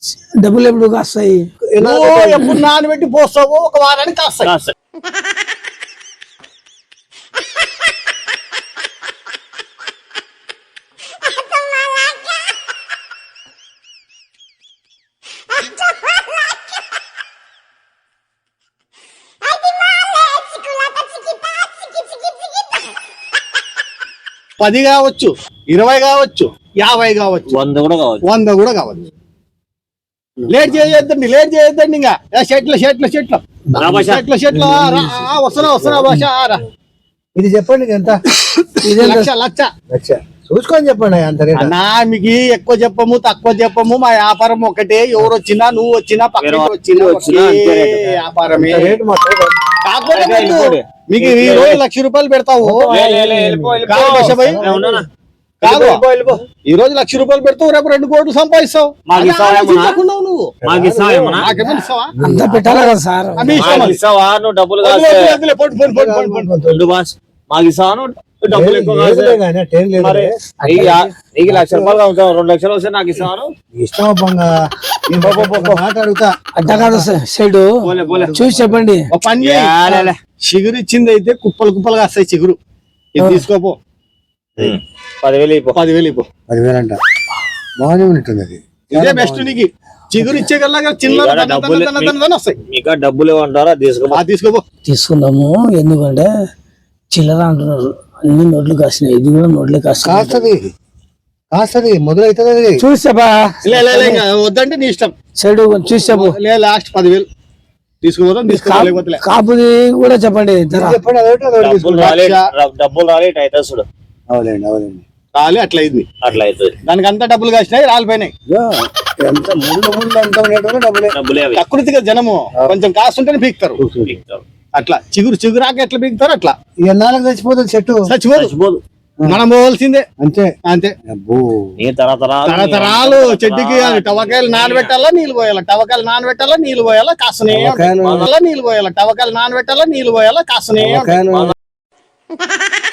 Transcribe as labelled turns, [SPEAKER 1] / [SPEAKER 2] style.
[SPEAKER 1] డబ్బులు ఎప్పుడు కాస్తాయి?
[SPEAKER 2] ఎప్పుడు నానబెట్టి పోస్తావు ఒక వారానికి కాస్తాయి. పది కావచ్చు, 20 కావచ్చు, 50 కావచ్చు, 100 కూడా కావచ్చు. లేట్ చేయొద్దండి ఇంకా చెట్లు వస్తున్నా భాష.
[SPEAKER 3] ఇది చెప్పండి ఎంత?
[SPEAKER 2] లక్ష
[SPEAKER 3] చూసుకొని చెప్పండి. అంత
[SPEAKER 2] అన్నా మీకు ఎక్కువ చెప్పము తక్కువ చెప్పము, మా వ్యాపారం ఒకటే. ఎవరు వచ్చినా నువ్వు వచ్చినా పక్కన వచ్చినా వ్యాపారమే. కాకపోతే మీకు ఈ రోజు ₹1,00,000 పెడతావు కాదు, ఈ రోజు ₹1,00,000 పెడతావు, రేపు 2 కోట్లు సంపాదిస్తావు. నువ్వు
[SPEAKER 1] అంతా పెట్టాలి కదా సార్.
[SPEAKER 4] డబ్బులు ఎక్కువ ₹1,00,000 2 లక్షలు వస్తే నాకు ఇస్తాను.
[SPEAKER 3] మాట్లాడుతా
[SPEAKER 1] అడ్డ కాదు సైడ్ చూసి చెప్పండి.
[SPEAKER 2] చిగురు ఇచ్చింది అయితే కుప్పలు కాస్తాయి చిగురు. ఇది తీసుకోపో, 10,000 ఇవ్వు.
[SPEAKER 3] 10,000 అంట బాగానే ఉన్నట్టుంది. అది
[SPEAKER 2] ఇదే బెస్ట్ నీకు. చిగురు ఇచ్చే కల్లా చిన్న వస్తాయి.
[SPEAKER 4] ఇంకా డబ్బులు ఏమంటారా?
[SPEAKER 2] తీసుకోపో.
[SPEAKER 1] తీసుకుందాము, ఎందుకంటే చిల్లర అంటున్నారు. అన్ని నోట్లు కాసినాయి, ఇది కూడా నోట్లే
[SPEAKER 3] కాస్తది మొదలవుతుంది.
[SPEAKER 1] చూసాబా
[SPEAKER 2] వద్దంటే నీ ఇష్టం.
[SPEAKER 1] సైడ్ చూసాబు.
[SPEAKER 2] లాస్ట్ 10,000 తీసుకోపోతాం. తీసుకోలేకపోతే
[SPEAKER 1] కాపుది కూడా చెప్పండి.
[SPEAKER 4] డబ్బులు రాలేదు అవుతుంది.
[SPEAKER 3] అవునండి
[SPEAKER 2] రాలే, అట్లా అవుతుంది. దానికి అంతా డబ్బులు కాసినాయి, రాలిపోయినాయి. ప్రకృతిగా జనము కొంచెం కాస్తుంటేనే పీకుతారు. అట్లా చిగురాక ఎట్లా పీకుతారు అట్లా.
[SPEAKER 3] ఎన్నాళ్ళకి చచ్చిపోతుంది చెట్టు?
[SPEAKER 2] చచ్చిపోదు, మనం పోవాల్సిందే. అంతే తరతరాలు చెట్టుకి టవకాయలు నానబెట్టాలా, నీళ్ళు పోయాలా, టవకాయలు నానబెట్టాలా, నీళ్ళు పోయాలా, కాసనే నీళ్ళు పోయాలా, టవకాయలు నానబెట్టాలా, నీళ్ళు పోయాలా, కాసనే